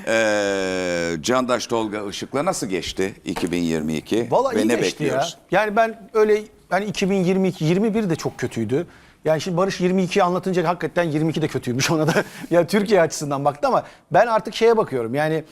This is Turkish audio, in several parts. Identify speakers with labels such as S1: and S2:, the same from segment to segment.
S1: Candaş Tolga Işık'la nasıl geçti 2022?
S2: Vallahi
S1: Ve
S2: iyi
S1: ne
S2: geçti
S1: bekliyoruz?
S2: ya. Yani ben öyle hani 2022, 21 de çok kötüydü. Yani şimdi Barış 22'yi anlatınca hakikaten 22 de kötüymüş ona da. Yani Türkiye açısından baktı ama ben artık şeye bakıyorum. Yani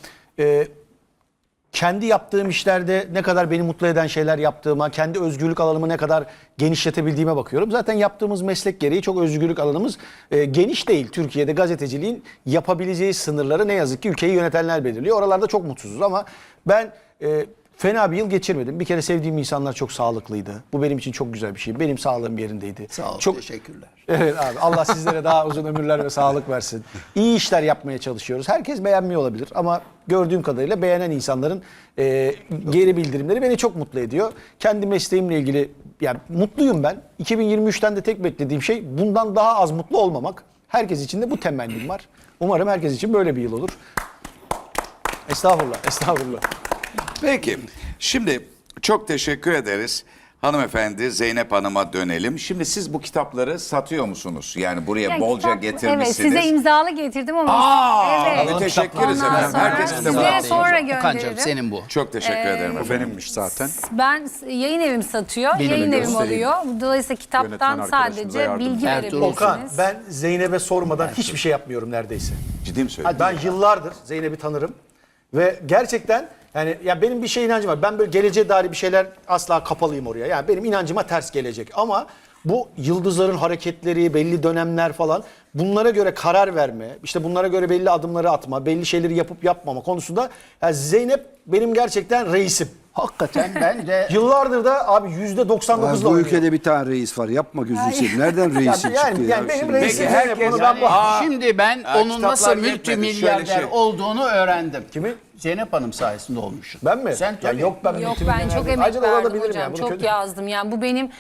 S2: kendi yaptığım işlerde ne kadar beni mutlu eden şeyler yaptığıma, kendi özgürlük alanımı ne kadar genişletebildiğime bakıyorum. Zaten yaptığımız meslek gereği çok özgürlük alanımız geniş değil. Türkiye'de gazeteciliğin yapabileceği sınırları ne yazık ki ülkeyi yönetenler belirliyor. Oralarda çok mutsuzuz ama ben fena bir yıl geçirmedim. Bir kere sevdiğim insanlar çok sağlıklıydı. Bu benim için çok güzel bir şey. Benim sağlığım yerindeydi.
S3: Sağ ol,
S2: çok
S3: teşekkürler.
S2: Evet abi, Allah sizlere daha uzun ömürler ve sağlık versin. İyi işler yapmaya çalışıyoruz. Herkes beğenmiyor olabilir ama gördüğüm kadarıyla beğenen insanların geri bildirimleri beni çok mutlu ediyor. Kendi mesleğimle ilgili yani mutluyum ben. 2023'ten de tek beklediğim şey bundan daha az mutlu olmamak. Herkes için de bu temennim var. Umarım herkes için böyle bir yıl olur. Estağfurullah, estağfurullah.
S1: Peki. Şimdi çok teşekkür ederiz. Hanımefendi Zeynep Hanım'a dönelim. Şimdi siz bu kitapları satıyor musunuz? Yani buraya
S4: Yani
S1: bolca
S4: kitap-
S1: getirmişsiniz.
S4: Evet, size imzalı getirdim ama. evet.
S1: Teşekkürüz
S4: Ondan
S1: efendim.
S4: sonra
S1: Herkesin de
S4: sizlere
S1: var.
S4: sonra
S3: Okan'cığım
S4: gönderirim.
S3: senin bu.
S1: Çok teşekkür ederim efendim.
S5: Benimmiş zaten.
S4: Ben yayın evim satıyor,
S3: Benim
S4: yayın evim
S5: göstereyim.
S4: alıyor. Dolayısıyla kitaptan
S5: Yönetmen arkadaşımıza
S4: sadece
S5: yardım
S4: bilgi
S5: edin.
S3: Ertuğrul
S2: Okan,
S4: verebilirsiniz.
S2: ben Zeynep'e sormadan hiçbir şey yapmıyorum neredeyse.
S1: Ciddi mi söylüyorsun?
S2: Ben yıllardır Zeynep'i tanırım ve gerçekten yani ya benim bir şey inancım var. Ben böyle geleceğe dair bir şeyler asla kapalıyım oraya. Yani benim inancıma ters gelecek ama bu yıldızların hareketleri, belli dönemler falan bunlara göre karar verme, işte bunlara göre belli adımları atma, belli şeyleri yapıp yapmama konusunda yani Zeynep benim gerçekten reisim.
S3: Hakikaten ben de
S2: Yıllardır da abi %99'la
S6: Bu
S2: oynuyor.
S6: ülkede bir tane reis var. Yapma gözünü seveyim. Nereden reisin
S2: Yani-
S6: çıktı
S2: yani
S6: ya?
S2: benim
S6: Şimdi?
S2: reisim
S1: Peki,
S2: Zeynep.
S1: herkes
S2: Onu ben
S1: yani- Aa,
S3: şimdi ben onun
S1: kitaplar
S3: nasıl
S1: yetmedi.
S3: multimilyarder
S1: Şöyle şey.
S3: olduğunu öğrendim.
S2: Kimi?
S3: Zeynep Hanım sayesinde olmuşsun.
S2: Ben mi?
S3: Sen
S2: Ya
S3: tabii.
S2: yok ben
S4: Yok
S2: multimilyoner
S4: ben çok
S2: değilim.
S4: emek
S2: Ayrıca da
S4: verdim
S2: olabilirim
S4: hocam.
S2: yani, bunu
S4: Çok
S2: kötü-
S4: yazdım. Yani bu benim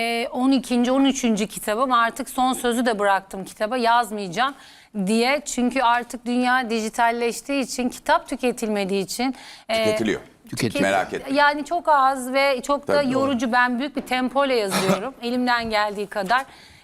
S4: 12. 13. kitabım. Artık son sözü de bıraktım kitaba. Yazmayacağım diye. Çünkü artık dünya dijitalleştiği için, kitap tüketilmediği için.
S1: Tüketiliyor. Merak etme.
S4: Yani çok az ve çok da
S1: Tabii, doğru.
S4: yorucu. Ben büyük bir tempoyla yazıyorum. Elimden geldiği kadar.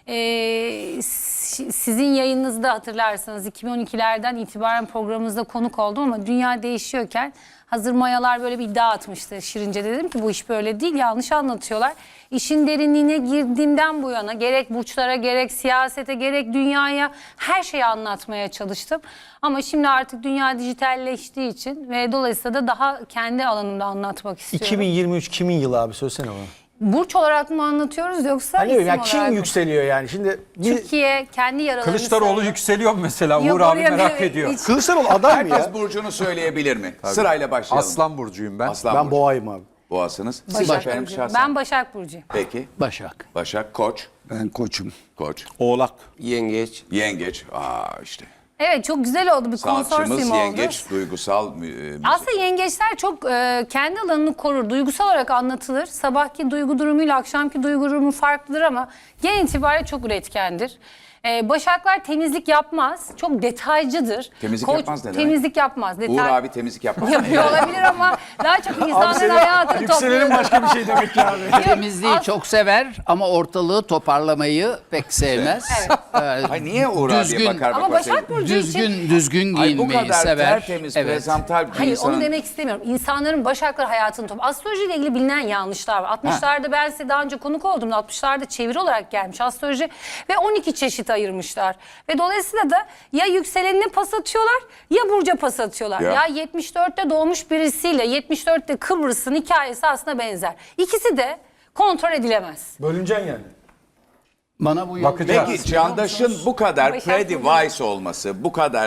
S4: Sizin yayınınızda hatırlarsanız 2012'lerden itibaren programımızda konuk oldum ama dünya değişiyorken hazır mayalar böyle bir iddia atmıştı Şirince. Dedim ki bu iş böyle değil, yanlış anlatıyorlar. İşin derinliğine girdiğimden bu yana gerek burçlara gerek siyasete gerek dünyaya her şeyi anlatmaya çalıştım. Ama şimdi artık dünya dijitalleştiği için ve dolayısıyla da daha kendi alanımda anlatmak istiyorum.
S2: 2023 kimin yılı abi söylesene bana.
S4: Burç olarak mı anlatıyoruz yoksa
S2: Hani
S4: isim
S2: ya
S4: olarak
S2: kim
S4: mı?
S2: yükseliyor yani? Şimdi
S4: Türkiye kendi yaralarını
S5: Kılıçdaroğlu
S4: sarıyor.
S5: yükseliyor mu mesela?
S4: Yok,
S5: Uğur abi
S4: oraya
S5: merak
S4: bir-
S5: ediyor.
S4: hiç-
S2: Kılıçdaroğlu aday mı ya?
S1: Herkes burcunu söyleyebilir mi? Sırayla başlayalım.
S5: Aslan burcuyum ben.
S1: Aslan
S2: Ben
S1: burcu.
S2: boğayım abi.
S1: Boğasınız. Siz
S4: Başak
S1: efendim
S4: Burcu.
S1: şahsen.
S4: Ben Başak Burcu'yum.
S1: Peki.
S3: Başak.
S1: Başak, Koç.
S6: Ben koçum.
S1: Koç.
S5: Oğlak.
S7: Yengeç.
S1: Yengeç. İşte.
S4: Evet çok güzel oldu, bir
S1: Sanatçımız
S4: konsorsiyum oldu.
S1: yengeç, duygusal.
S4: Aslında yengeçler çok kendi alanını korur. Duygusal olarak anlatılır. Sabahki duygu durumuyla akşamki duygu durumu farklıdır ama genel itibariyle çok üretkendir. Başaklar temizlik yapmaz. Çok detaycıdır.
S1: Temizlik yapmaz ne demek?
S4: Temizlik yapmaz.
S1: Uğur abi temizlik yapmaz.
S4: Yapıyor olabilir ama daha çok insanların hayatını
S2: Yükselenin
S4: topluyor.
S2: başka bir şey demek ki abi.
S3: Temizliği çok sever ama ortalığı toparlamayı pek sevmez.
S1: Ay niye Uğur abiye bakar
S4: Ama
S1: bakar?
S4: Başak Burcu için...
S3: Düzgün
S1: Ay bu
S3: giyinmeyi
S1: kadar
S3: sever.
S1: tertemiz,
S3: Evet.
S1: prezental bir
S4: Hayır
S1: insanın.
S4: onu demek istemiyorum. İnsanların Başaklar hayatını topluyor. Astrolojiyle ilgili bilinen yanlışlar var. 60'larda ben size daha önce konuk oldum. 60'larda çeviri olarak gelmiş astroloji ve 12 çeşit ayırmışlar. Ve dolayısıyla da ya yükselenine pas atıyorlar ya burca pas atıyorlar.
S1: Ya.
S4: Ya 74'te doğmuş birisiyle 74'te Kıbrıs'ın hikayesi aslında benzer. İkisi de kontrol edilemez.
S2: Bölüneceksin yani.
S3: Bana bu
S5: Bakacağız.
S1: Peki Candaş'ın bu kadar
S4: Başak
S1: pretty
S4: Burcu.
S1: wise olması, bu kadar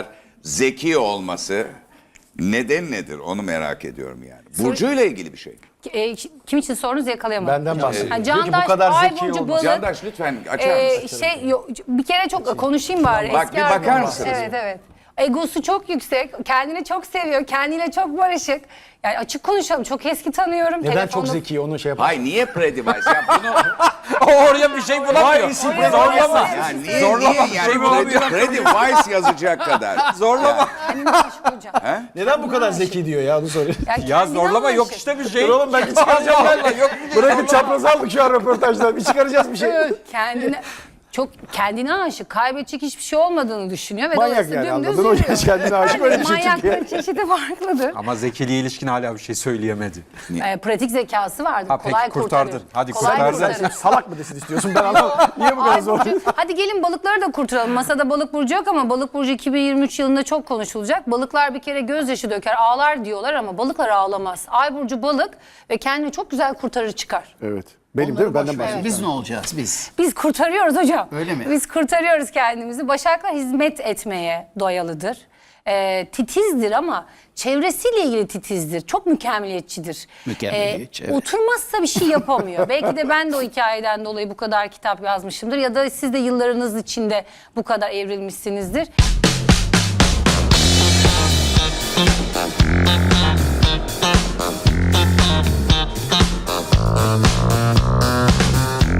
S1: zeki neden nedir? Onu merak ediyorum yani. Burcuyla ilgili bir şey.
S4: Kim için sorunuz yakalayamadım.
S2: Benden bahsediyor.
S4: Ha,
S2: Peki
S4: Candaş,
S2: bu kadar
S4: Ay
S2: zeki
S4: Burcu,
S2: olması.
S4: Balık,
S1: Candaş lütfen açar mısın?
S4: Bir kere çok konuşayım bari.
S1: Bak,
S4: Eski
S1: bir bakar
S4: arkadaşım.
S1: mısınız?
S4: Evet evet. Egosu çok yüksek, kendini çok seviyor, kendiyle çok barışık. Yani açık konuşalım, çok eski tanıyorum.
S2: Neden
S4: Telefonda-
S2: çok zeki onu şey yapar.
S1: Hay niye pretty wise? Ya bunu
S5: Oraya bir şey bulamıyor. Zorlama.
S1: ya niye
S5: Zorlama,
S1: niye
S5: bir şey
S1: yani
S5: bulamıyor.
S1: pretty wise yazacak kadar?
S5: Zorlama.
S4: Kendini meşgul hocam.
S2: Neden bu kadar zeki diyor ya onu soruyor.
S5: Ya
S4: kendinden
S5: zorlama yok
S4: barışık.
S5: işte bir şey.
S2: Dur oğlum belki çıkaracağım
S5: Allah
S2: galiba.
S5: Allah, yok bir şey.
S2: Bırakın çaprazı aldık şu an röportajdan. Bir çıkaracağız bir şey.
S4: Kendine çok kendine aşık, kaybedecek hiçbir şey olmadığını düşünüyor. Ve
S2: Manyak
S4: dolayısıyla
S2: yani,
S4: dümdüz
S2: anladın? O
S4: yürüyor.
S2: genç kendine aşık, öyle bir şey Türkiye.
S4: Manyakların çeşidi farklıdır.
S5: Ama zekiliğe ilişkin hala bir şey söyleyemedi.
S4: Pratik zekası vardır.
S5: Ha, peki,
S4: kolay
S5: kurtardın.
S4: kurtarır.
S5: Hadi
S4: Kolay
S5: kurtardın.
S4: kurtarır.
S2: Salak mı desin istiyorsun, ben anlamadım. Niye bu kadar
S4: Ay
S2: zor?
S4: Burcu, hadi gelin balıkları da kurtaralım. Masada balık burcu yok ama balık burcu 2023 yılında çok konuşulacak. Balıklar bir kere gözyaşı döker, ağlar diyorlar ama balıklar ağlamaz. Ay burcu balık ve kendini çok güzel kurtarır çıkar.
S2: Evet. Benim değil mi? Benden bahsediyorsun.
S3: Biz ne olacağız biz?
S4: Biz kurtarıyoruz hocam.
S3: Öyle mi?
S4: Biz kurtarıyoruz kendimizi. Başaklar hizmet etmeye doyalıdır. Titizdir ama çevresiyle ilgili titizdir. Çok mükemmeliyetçidir.
S3: Mükemmeliyetçi, evet.
S4: Oturmazsa bir şey yapamıyor. Belki de ben de o hikayeden dolayı bu kadar kitap yazmışımdır. Ya da siz de yıllarınız içinde bu kadar evrilmişsinizdir.